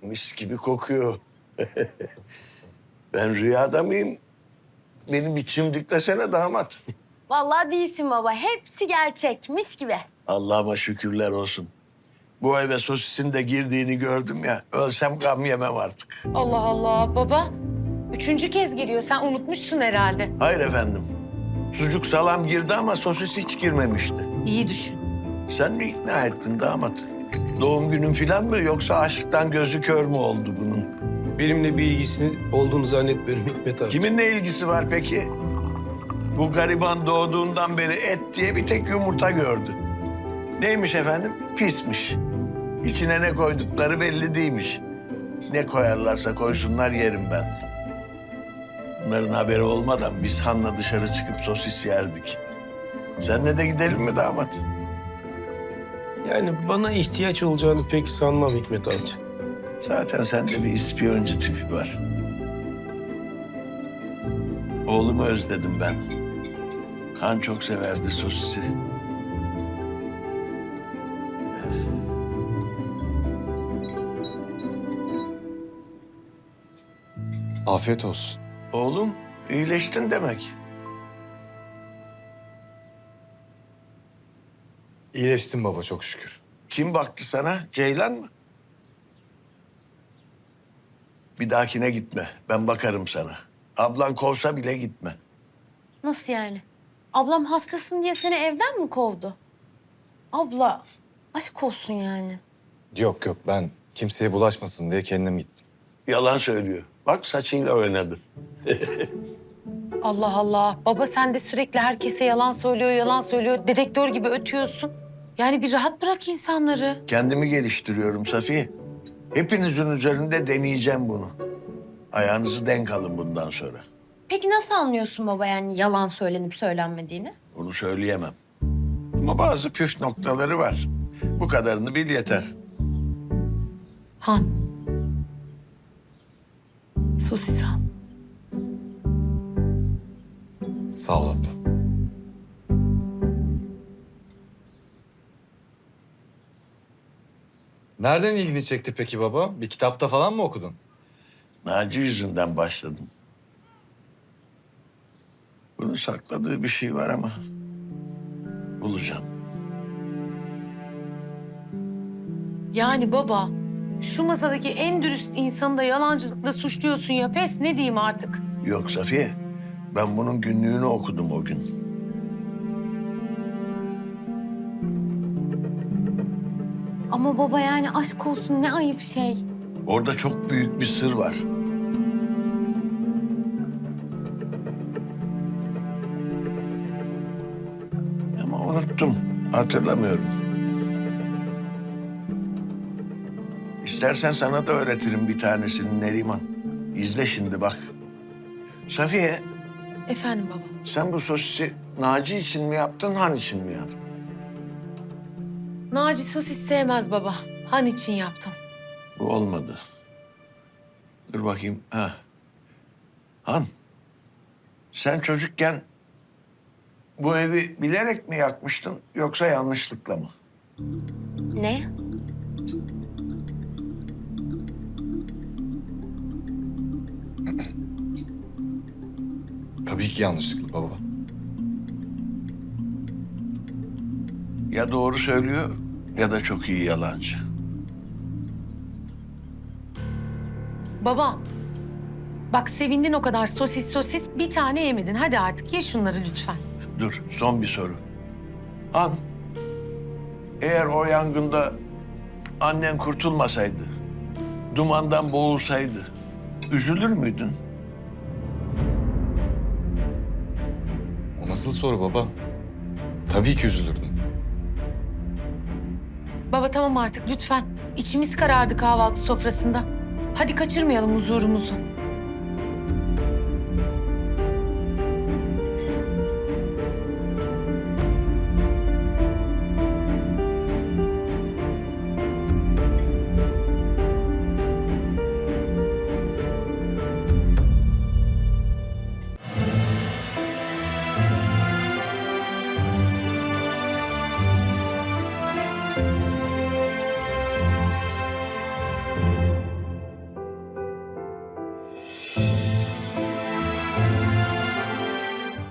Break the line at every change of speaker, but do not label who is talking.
mis gibi kokuyor. Ben rüyada mıyım? Benim bir çimdiklesene damat.
Vallahi değilsin baba. Hepsi gerçek. Mis gibi.
Allah'ıma şükürler olsun. Bu eve sosisin de girdiğini gördüm ya. Ölsem gam yemem artık.
Allah Allah baba. 3. kez giriyor. Sen unutmuşsun herhalde.
Hayır efendim. Sucuk salam girdi ama sosis hiç girmemişti.
İyi düşün.
Sen mi ikna ettin damat? Doğum günün falan mı yoksa aşktan gözü kör mü oldu bunun?
Benimle bir ilgisinin olduğunu zannetmiyorum Hikmet abi.
Kiminle ilgisi var peki? Bu gariban doğduğundan beri et diye bir tek yumurta gördü. Neymiş efendim? Pismiş. İçine ne koydukları belli değilmiş. Ne koyarlarsa koysunlar yerim ben. Bunların haberi olmadan biz Han'la dışarı çıkıp sosis yerdik. Seninle de gidelim mi damat?
Yani bana ihtiyaç olacağını pek sanmam Hikmet amca.
Zaten sende bir ispiyoncu tipi var. Oğlumu özledim ben. Han çok severdi sosisi.
Afiyet olsun.
Oğlum iyileştin demek.
İyileştim baba çok şükür.
Kim baktı sana? Ceylan mı? Bir dahakine gitme. Ben bakarım sana. Ablan kovsa bile gitme.
Nasıl yani? Ablam hastasın diye seni evden mi kovdu? Abla, aşk olsun yani.
Yok yok ben kimseye bulaşmasın diye kendim gittim.
Yalan söylüyor. Bak saçıyla oynadı.
Allah Allah. Baba sen de sürekli herkese yalan söylüyor, yalan söylüyor. Dedektör gibi ötüyorsun. Yani bir rahat bırak insanları.
Kendimi geliştiriyorum Safiye. Hepinizin üzerinde deneyeceğim bunu. Ayağınızı denk alın bundan sonra.
Peki nasıl anlıyorsun baba yani yalan söylenip söylenmediğini?
Bunu söyleyemem. Ama bazı püf noktaları var. Bu kadarını bil yeter.
Han. Sosis Han.
Sağ ol abla. Nereden ilgini çekti peki baba? Bir kitapta falan mı okudun?
Naci yüzünden başladım. Bunun sakladığı bir şey var ama bulacağım.
Yani baba şu masadaki en dürüst insanı da yalancılıkla suçluyorsun ya. Pes ne diyeyim artık?
Yok Safiye, ben bunun günlüğünü okudum o gün.
Ama baba yani aşk olsun ne ayıp şey.
Orada çok büyük bir sır var. Ama unuttum, hatırlamıyorum. İstersen sana da öğretirim bir tanesini Neriman. İzle şimdi bak. Safiye,
Efendim baba.
sen bu sosisi Naci için mi yaptın, Han için mi yaptın?
Naci sosis sevmez baba. Han için yaptım.
Bu olmadı. Dur bakayım. Ha. Han, sen çocukken bu evi bilerek mi yakmıştın yoksa yanlışlıkla mı?
Ne?
Tabii ki yanlışlıkla baba.
Ya doğru söylüyor ya da çok iyi yalancı.
Baba. Bak sevindin o kadar sosis bir tane yemedin. Hadi artık ye şunları lütfen.
Dur, son bir soru. Han, eğer o yangında annen kurtulmasaydı, dumandan boğulsaydı, üzülür müydün?
O nasıl soru baba? Tabii ki üzülürdüm.
Baba tamam artık lütfen. İçimiz karardı kahvaltı sofrasında. Hadi kaçırmayalım huzurumuzu.